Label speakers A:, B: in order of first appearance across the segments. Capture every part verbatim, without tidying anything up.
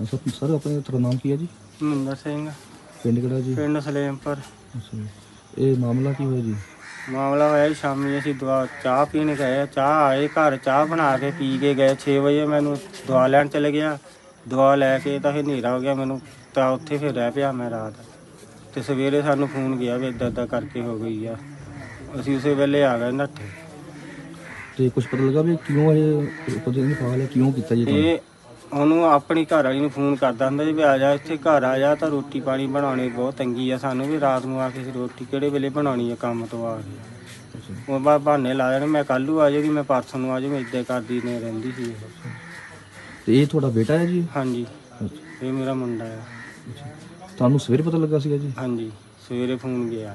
A: ਅੱਛਾ ਸਰ ਆਪਣੇ ਤੁਹਾਡਾ ਨਾਮ ਕੀ ਹੈ ਜੀ?
B: ਮਹਿੰਦਰ ਸਿੰਘ,
A: ਪਿੰਡ ਕਿਹੜਾ ਜੀ?
B: ਪਿੰਡ ਸਲੇਮਪੁਰ।
A: ਅੱਛਾ ਜੀ। ਇਹ ਮਾਮਲਾ ਕੀ ਹੋਇਆ ਜੀ?
B: ਮਾਮਲਾ ਹੋਇਆ ਜੀ ਸ਼ਾਮੀ ਅਸੀਂ ਦਵਾ ਚਾਹ ਪੀਣ ਗਏ, ਚਾਹ ਆਏ ਘਰ ਚਾਹ ਬਣਾ ਕੇ ਪੀ ਕੇ ਗਏ। ਛੇ ਵਜੇ ਮੈਨੂੰ ਦਵਾ ਲੈਣ ਚਲੇ ਗਿਆ। ਦਵਾ ਲੈ ਕੇ ਤਾਂ ਫਿਰ ਹਨੇਰਾ ਹੋ ਗਿਆ ਮੈਨੂੰ, ਤਾਂ ਉੱਥੇ ਫਿਰ ਰਹਿ ਪਿਆ ਮੈਂ ਰਾਤ। ਤੇ ਸਵੇਰੇ ਸਾਨੂੰ ਫੋਨ ਗਿਆ ਵੀ ਇੱਦਾਂ ਇੱਦਾਂ ਕਰਕੇ ਹੋ ਗਈ ਆ। ਅਸੀਂ ਉਸੇ ਵੇਲੇ ਆ ਗਏ ਨੱਠੇ।
A: ਤੇ ਕੁਝ ਪਤਾ ਲੱਗਾ ਵੀ ਕਿਉਂ ਇਹ ਪਤਾ ਨਹੀਂ ਫਾਲ ਹੈ, ਕਿਉਂ ਕੀਤਾ ਜੀ ਕੰਮ?
B: ਇਹ ਉਹਨੂੰ ਆਪਣੀ ਘਰ ਵਾਲੀ ਨੂੰ ਫੋਨ ਕਰਦਾ ਹੁੰਦਾ ਜੀ ਵੀ ਆ ਜਾ ਇੱਥੇ ਘਰ ਆ ਜਾ, ਤਾਂ ਰੋਟੀ ਪਾਣੀ ਬਣਾਉਣੀ ਬਹੁਤ ਤੰਗੀ ਆ ਸਾਨੂੰ ਵੀ। ਰਾਤ ਨੂੰ ਆ ਕੇ ਰੋਟੀ ਕਿਹੜੇ ਵੇਲੇ ਬਣਾਉਣੀ ਆ ਕੰਮ ਤੋਂ ਆ ਕੇ। ਉਹ ਬਾ ਬਹਾਨੇ ਲਾ ਜਾਣੇ, ਮੈਂ ਕੱਲ੍ਹ ਨੂੰ ਆ ਜਾਊਗੀ, ਮੈਂ ਪਰਸੋਂ ਨੂੰ ਆ ਜਾਊਗੀ, ਇੱਦਾਂ ਕਰਦੀ ਨੇ ਰਹਿੰਦੀ ਸੀ ਇਹ।
A: ਤੇ ਇਹ ਤੁਹਾਡਾ ਬੇਟਾ ਹੈ ਜੀ?
B: ਹਾਂਜੀ,
A: ਅੱਛਾ।
B: ਇਹ ਮੇਰਾ ਮੁੰਡਾ ਆ।
A: ਤੁਹਾਨੂੰ ਸਵੇਰੇ ਪਤਾ ਲੱਗਾ ਸੀਗਾ ਜੀ?
B: ਹਾਂਜੀ, ਸਵੇਰੇ ਫੋਨ ਗਿਆ।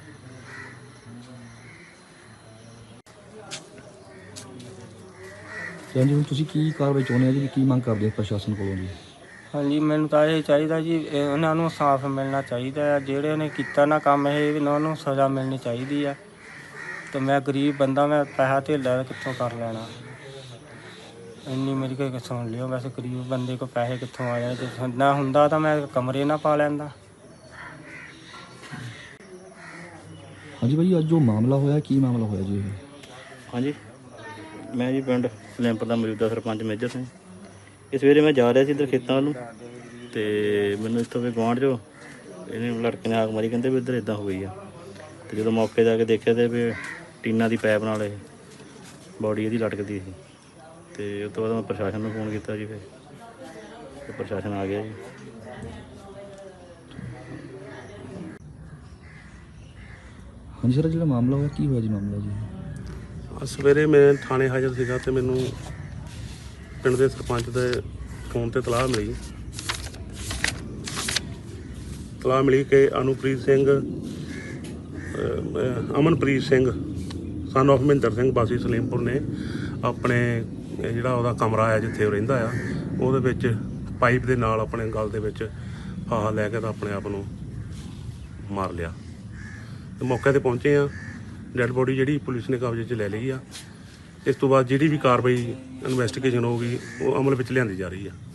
A: ਤੇ ਹਾਂਜੀ ਹੁਣ ਤੁਸੀਂ ਕੀ ਕਾਰਵਾਈ ਚਾਹੁੰਦੇ ਹੋ ਜੀ? ਕੀ ਮੰਗ ਕਰਦੇ ਹੋ ਪ੍ਰਸ਼ਾਸਨ ਕੋਲੋਂ ਜੀ?
B: ਹਾਂਜੀ, ਮੈਨੂੰ ਤਾਂ ਇਹ ਚਾਹੀਦਾ ਜੀ ਇਹ ਉਹਨਾਂ ਨੂੰ ਸਾਫ਼ ਮਿਲਣਾ ਚਾਹੀਦਾ ਆ। ਜਿਹੜੇ ਨੇ ਕੀਤਾ ਨਾ ਕੰਮ ਇਹ ਉਹਨਾਂ ਨੂੰ ਸਜ਼ਾ ਮਿਲਣੀ ਚਾਹੀਦੀ ਆ। ਤੇ ਮੈਂ ਗਰੀਬ ਬੰਦਾ, ਮੈਂ ਪੈਸਾ ਧੇਲਾ ਕਿੱਥੋਂ ਕਰ ਲੈਣਾ? ਇੰਨੀ ਮੇਰੀ ਕੋਈ ਸੁਣ ਲਿਓ, ਵੈਸੇ ਗਰੀਬ ਬੰਦੇ ਕੋਲ ਪੈਸੇ ਕਿੱਥੋਂ ਆ ਜਾਣੇ? ਜੇ ਨਾ ਹੁੰਦਾ ਤਾਂ ਮੈਂ ਕਮਰੇ ਨਾ ਪਾ ਲੈਂਦਾ।
A: ਹਾਂਜੀ ਭਾਈ, ਅੱਜ ਜੋ ਮਾਮਲਾ ਹੋਇਆ ਕੀ ਮਾਮਲਾ ਹੋਇਆ ਜੀ ਇਹ?
C: ਹਾਂਜੀ, ਮੈਂ ਜੀ ਪਿੰਡ ਸਲੇਮਪੁਰ ਦਾ ਮੌਜੂਦਾ ਸਰਪੰਚ ਮੇਜਰ ਸਿੰਘ। ਇਹ ਸਵੇਰੇ ਮੈਂ ਜਾ ਰਿਹਾ ਸੀ ਇੱਧਰ ਖੇਤਾਂ ਵੱਲ ਨੂੰ, ਅਤੇ ਮੈਨੂੰ ਇੱਥੋਂ ਵੀ ਗੁਆਂਢ 'ਚੋਂ ਇਹਨੇ ਲੜਕੇ ਨੇ ਆਗ ਮਾਰੀ, ਕਹਿੰਦੇ ਵੀ ਇੱਧਰ ਇੱਦਾਂ ਹੋ ਗਈ ਆ। ਅਤੇ ਜਦੋਂ ਮੌਕੇ 'ਤੇ ਆ ਕੇ ਦੇਖਿਆ ਤਾਂ ਵੀ ਟੀਨਾਂ ਦੀ ਪਾਈਪ ਨਾਲ ਇਹ ਬੋਡੀ ਇਹਦੀ ਲਟਕਦੀ ਸੀ। ਅਤੇ ਉਸ ਤੋਂ ਬਾਅਦ ਮੈਂ ਪ੍ਰਸ਼ਾਸਨ ਨੂੰ ਫੋਨ ਕੀਤਾ ਜੀ, ਫਿਰ ਅਤੇ ਪ੍ਰਸ਼ਾਸਨ ਆ ਗਿਆ ਜੀ।
A: ਹਾਂਜੀ ਸਰ, ਜਿਹੜਾ ਮਾਮਲਾ ਹੋਇਆ ਕੀ ਹੋਇਆ ਜੀ ਮਾਮਲਾ ਜੀ?
D: ਸਵੇਰੇ ਮੈਂ ਥਾਣੇ ਹਾਜ਼ਰ ਸੀਗਾ ਅਤੇ ਮੈਨੂੰ ਪਿੰਡ ਦੇ ਸਰਪੰਚ ਦੇ ਫੋਨ 'ਤੇ ਤਲਾਹ ਮਿਲੀ ਤਲਾਹ ਮਿਲੀ ਕਿ ਅਨੁਪ੍ਰੀਤ ਸਿੰਘ ਅਮਨਪ੍ਰੀਤ ਸਿੰਘ ਸਨ ਆਫ ਮਹਿੰਦਰ ਸਿੰਘ ਵਾਸੀ ਸਲੇਮਪੁਰ ਨੇ ਆਪਣੇ ਜਿਹੜਾ ਉਹਦਾ ਕਮਰਾ ਹੈ ਜਿੱਥੇ ਉਹ ਰਹਿੰਦਾ ਆ, ਉਹਦੇ ਵਿੱਚ ਪਾਈਪ ਦੇ ਨਾਲ ਆਪਣੇ ਗਲ ਦੇ ਵਿੱਚ ਫਾਹਾ ਲੈ ਕੇ ਤਾਂ ਆਪਣੇ ਆਪ ਨੂੰ ਮਾਰ ਲਿਆ। ਤੇ ਮੌਕੇ 'ਤੇ ਪਹੁੰਚੇ ਆ, ਡੈੱਡ ਬੋਡੀ ਜਿਹੜੀ ਪੁਲਿਸ ਨੇ ਕਬਜ਼ੇ 'ਚ ਲੈ ਲਈ ਆ। ਇਸ ਤੋਂ ਬਾਅਦ ਜਿਹੜੀ ਵੀ ਕਾਰਵਾਈ ਇਨਵੈਸਟੀਗੇਸ਼ਨ ਹੋਊਗੀ ਉਹ ਅਮਲ ਵਿੱਚ ਲਿਆਂਦੀ ਜਾ ਰਹੀ ਆ।